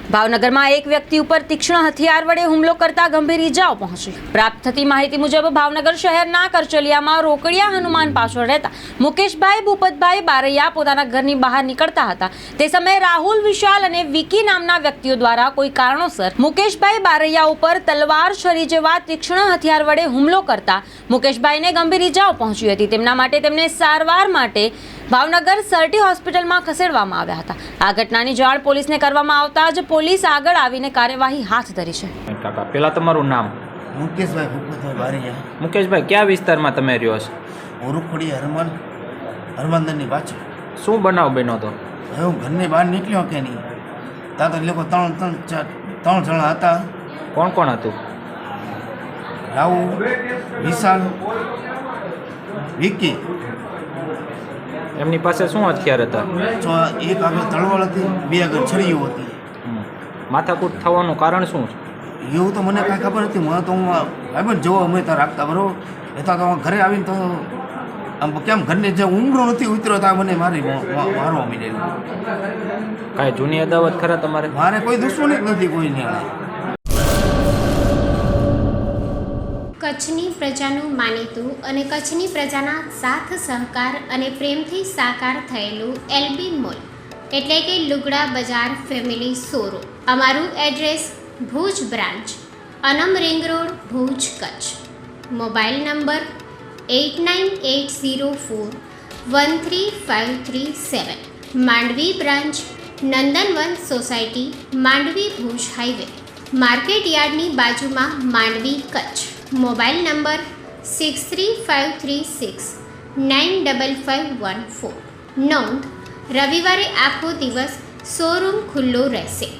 ભાવનગરમાં એક વ્યક્તિ ઉપર તીક્ષ્ણ હથિયાર વડે હુમલો કરતા ગંભીર ઈજાઓ પહોંચી। પ્રાપ્ત થતી માહિતી મુજબ ભાવનગર શહેરના કરચલિયામાં રોકડિયા હનુમાન પાછળ રહેતા મુકેશભાઈ ભૂપતભાઈ બારૈયા પોતાના ઘરની બહાર નીકળતા હતા। તે સમયે રાહુલ વિશાલ અને વિકી નામના વ્યક્તિઓ દ્વારા કોઈ કારણોસર મુકેશભાઈ બારૈયા ઉપર તલવાર, છરી જેવા તીક્ષ્ણ હથિયાર વડે હુમલો કરતા મુકેશભાઈને ગંભીર ઈજાઓ પહોંચી હતી। તેમના માટે તેમને સારવાર માટે ભાવનગર સરટી હોસ્પિટલમાં ખસેડવામાં આવ્યા હતા। આ ઘટનાની જાણ પોલીસને કરવામાં આવતા જ પોલીસ આગળ આવીને કાર્યવાહી હાથ ધરી છે। કાકા, પહેલા તમારું નામ? મુકેશભાઈ ભૂપતભાઈ બારૈયા। મુકેશભાઈ, કયા વિસ્તારમાં તમે રહ્યો છો? ઓરુખડી હરમંદરની પાછળ। શું બનાવ બન્યો હતો? હું ઘરની બહાર નીકળ્યો કે નહીં, ત્યાં તો લોકો ત્રણ જણા હતા। કોણ કોણ હતું? રાહુલ, વિશાલ, વિકી। એમની પાસે શું હથિયાર હતા? એક આગળ તલવાર હતી, બે આગળ છરીઓ હતી। માથાકૂટ થવાનું કારણ શું છે? એવું તો મને કાંઈ ખબર નથી। મને તો હું ભાઈ જોવા અમે ત્યાં રાખતા બરાબર, એટલા તો ઘરે આવીને તો આમ કેમ ઘરની જે ઊંઘરો નથી ઉતર્યો ત્યાં મને મારવા માંડેલું। કાંઈ જૂની અદાવત ખરા તમારે? મારે કોઈ દુશ્મની જ નથી કોઈની। કચ્છની પ્રજાનું માનીતું અને કચ્છની પ્રજાના સાથ સહકાર અને પ્રેમથી સાકાર થયેલું એલબી મોલ એટલે કે લુગડા બજાર ફેમિલી શોરૂમ। અમારું address Bhuj branch, Anam ring road, Bhuj, Kutch. Mobile number 8980413537। Mandvi branch, Nandanvan society, Mandvi, Bhuj highway, market યાર્ડની બાજુમાં, માંડવી, કચ્છ। Mobile number 6353695514। નોંધ: રવિવારે આખો દિવસ શોરૂમ ખુલ્લો રહેશે।